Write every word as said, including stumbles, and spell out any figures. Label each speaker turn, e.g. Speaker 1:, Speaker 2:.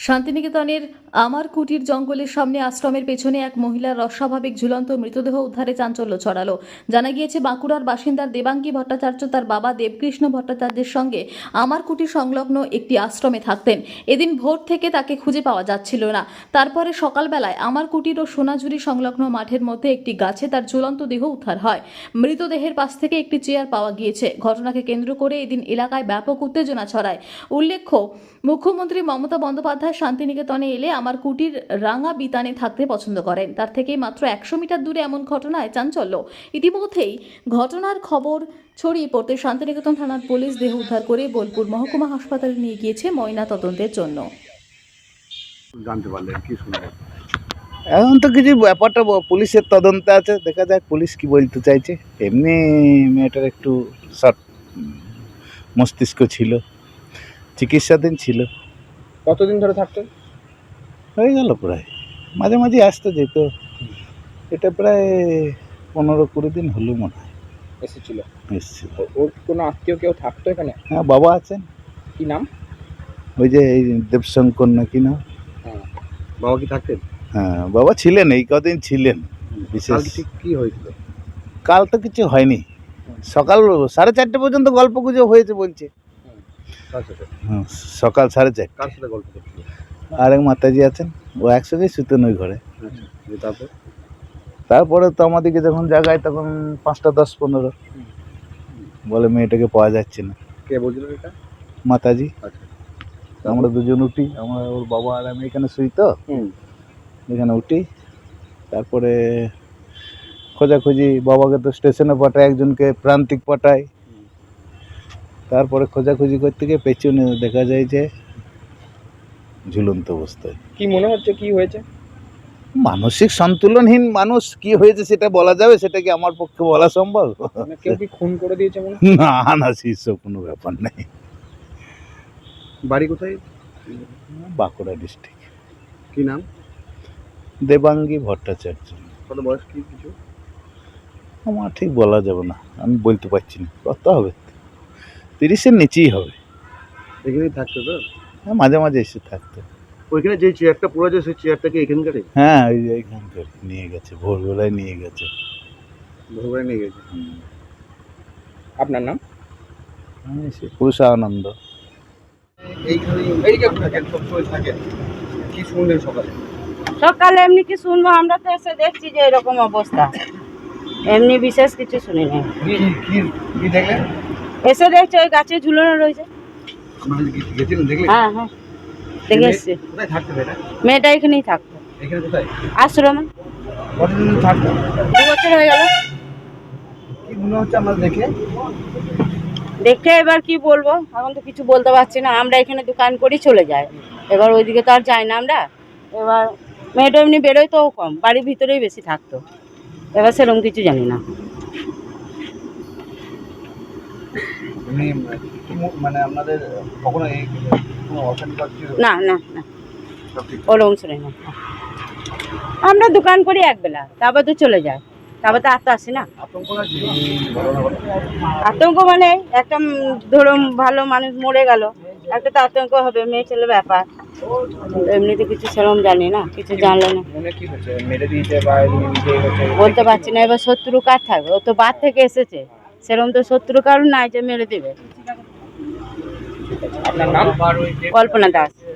Speaker 1: শান্তিনিকেতনের আমার কুটির জঙ্গলের সামনে আশ্রমের পেছনে এক মহিলার অস্বাভাবিক ঝুলন্ত মৃতদেহ উদ্ধারে চাঞ্চল্য ছড়ালো। জানা গিয়েছে বাঁকুড়ার বাসিন্দার দেবাঙ্গী ভট্টাচার্য তার বাবা দেবকৃষ্ণ ভট্টাচার্যের সঙ্গে আমার কুটির সংলগ্ন একটি আশ্রমে থাকতেন। এদিন ভোর থেকে তাকে খুঁজে পাওয়া যাচ্ছিল না। তারপরে সকালবেলায় আমার কুটির ও সোনাঝুরি সংলগ্ন মাঠের মধ্যে একটি গাছে তার ঝুলন্ত দেহ উদ্ধার হয়। মৃতদেহের পাশ থেকে একটি চেয়ার পাওয়া গিয়েছে। ঘটনাকে কেন্দ্র করে এদিন এলাকায় ব্যাপক উত্তেজনা ছড়ায়। উল্লেখ্য, মুখ্যমন্ত্রী মমতা বন্দ্যোপাধ্যায় শান্তিনিকেতনে এলে আমার কুটির রাঙা বিতানে থাকতে পছন্দ করেন। তার থেকে মাত্র একশো মিটার দূরে এমন ঘটনায় চাঞ্চল্য। ইতিমধ্যেই ঘটনার খবর ছড়িয়ে পড়তে শান্তিনিকেতন থানার পুলিশ দেহ উদ্ধার করে বোলপুর মহকুমা হাসপাতালে নিয়ে গিয়েছে ময়না তদন্তের জন্য।
Speaker 2: জানতে পারলেন কি শুনলেন?
Speaker 3: এখন তো কিছু ব্যাপারটা ব- পুলিশের তদন্তে আছে, দেখা যাক পুলিশ কি বলতে চাইছে। এমনি মেয়েটার একটু শর্ট মস্তিষ্ক ছিল, চিকিৎসাধীন ছিল।
Speaker 2: কতদিন ধরে থাকতেন?
Speaker 3: হয়ে গেল প্রায়, মাঝে মাঝে আসতে যেত। এটা প্রায় পনেরো কুড়ি দিন হলো মনে হয়
Speaker 2: এসেছিল।
Speaker 3: এসেছিল।
Speaker 2: ও- ওর কোনো আত্মীয় কেউ থাকতো এখানে?
Speaker 3: হ্যাঁ, বাবা আছেন,
Speaker 2: কি নাম?
Speaker 3: ওই যে এই দেবশঙ্কর না কি না।
Speaker 2: হ্যাঁ, বাবা কি থাকতেন?
Speaker 3: হ্যাঁ, বাবা ছিলেন, এই কদিন ছিলেন বিশেষ।
Speaker 2: কালকে ঠিক কি হয়েছিল?
Speaker 3: কাল তো কিছু হয়নি, সকাল সাড়ে চারটে পর্যন্ত গল্প গুজব হয়েছে বলছে।
Speaker 2: কার সাথে?
Speaker 3: হুম, সকাল সাড়ে চারটে।
Speaker 2: কার সাথে গল্প করছিল?
Speaker 3: আর এক মাতাজি আছেন, ও একসঙ্গেই শুতেন ওই ঘরে।
Speaker 2: আচ্ছা, দিয়ে তারপর?
Speaker 3: তারপরে তো আমাদেরকে যখন জাগায় তখন পাঁচটা দশ পনেরো বলে মেয়েটাকে পাওয়া যাচ্ছে না।
Speaker 2: কে বলছিল এটা?
Speaker 3: মাতাজি।
Speaker 2: আচ্ছা,
Speaker 3: আমরা দুজন উঠি, আমরা ওর বাবা আর আমি এখানে শুই তো,
Speaker 2: হুম,
Speaker 3: এখানে উঠি। তারপরে খোঁজাখুঁজি, বাবাকে তো স্টেশনে পাঠায়, একজনকে প্রান্তিক পাঠায়। তারপরে খোঁজাখুঁজি করতে গিয়ে পেছনে দেখা যায় যে ঝুলন্ত অবস্থায়।
Speaker 2: কি মনে হচ্ছে কি হয়েছে?
Speaker 3: মানসিক সন্তুলনহীন মানুষ, কি হয়েছে সেটা বলা যাবে? সেটা কি আমার পক্ষে বলা সম্ভব?
Speaker 2: মানে কেউ কি খুন করে দিয়েছে মনে?
Speaker 3: না না, সেসব কোনো ব্যাপার নেই।
Speaker 2: বাড়ি কোথায়?
Speaker 3: বাঁকুড়া ডিস্ট্রিক্ট।
Speaker 2: কি নাম?
Speaker 3: দেবাঙ্গী ভট্টাচার্য।
Speaker 2: কত বয়স কি কিছু?
Speaker 3: আমার ঠিক বলা যাবে না, আমি বলতে পারছি না। কত হবে, তিরিশের নিচেই হবে।
Speaker 2: এখানেই থাকতো তো?
Speaker 3: হ্যাঁ, মাঝে মাঝে এসে থাকতো।
Speaker 2: ওইখানে যে চেয়ারটা পড়ে আছে সেই চেয়ারটাকে এখানকারই?
Speaker 3: হ্যাঁ, ওই যে এইখানকার নিয়ে গেছে, ভোরবেলায় নিয়ে গেছে।
Speaker 2: ভোরবেলা নিয়ে গেছে। আপনার নাম?
Speaker 3: আমি সে পুরুষানন্দ।
Speaker 2: এইখানে এইদিকে থাকেন, সবসময় থাকেন। কি শুনলেন সকালে?
Speaker 4: সকালে এমনি কি শুনবো, আমরা তো এসে দেখছি যে এরকম অবস্থা, এমনি বিশেষ কিছু শুনি নাই।
Speaker 2: কি কি কি দেখলেন?
Speaker 4: এসে দেখছি ওই গাছে ঝুলানো রয়েছে।
Speaker 2: আপনারা কি গেছিলেন দেখলেন?
Speaker 4: হ্যাঁ হ্যাঁ, দেখে এসছি।
Speaker 2: কোথায় থাকতে এটা?
Speaker 4: মেয়েটা এখানেই থাকতো,
Speaker 2: এখানে কোথায়?
Speaker 4: আশ্রমে।
Speaker 2: কতদিন থাকতো?
Speaker 4: দু বছর হয়ে গেল।
Speaker 2: কি মনে হচ্ছে আমরা দেখে?
Speaker 4: দেখে এবার কি বলবো, এখন তো কিছু বলতে পারছি না। আমরা এখানে দোকান করি চলে যাই, এবার ওইদিকে তো আর যাই না আমরা। এবার মেয়েটা এমনি বেরোয় তো কম, বাড়ির ভিতরেই বেশি থাকতো। এবার সেরকম কিছু জানি না।
Speaker 2: এমনি কি মু- মানে আপনাদের কখনো এই কোনো অশান্তি ছিল?
Speaker 4: না না না,
Speaker 2: সব ঠিক?
Speaker 4: ওরকম শুনি না। আমরা দোকান করি একবেলা, তারপর তো চলে যায়, তারপর তো আর তো আসি না।
Speaker 2: আতঙ্ক লাগছে এই ঘটনা ঘটে?
Speaker 4: আতঙ্ক মানে একটা উম ধরুন ভালো মানুষ মরে গেল, একটা তো আতঙ্ক হবে, মেয়ে ছেলে ব্যাপার। এমনিতে কিছু সেরকম জানি না, কিছু জানলে না,
Speaker 2: মনে কি হচ্ছে? মেরে দিয়েছে বা এমনি নিজেই হচ্ছে?
Speaker 4: বলতে পারছি না। এবার শত্রু কার থাকবে, ও তো বাদ থেকে এসেছে, সেরকম তো শত্রু কারণ নাই যে মেরে দেবে।
Speaker 2: আপনার নাম?
Speaker 4: কল্পনা দাস।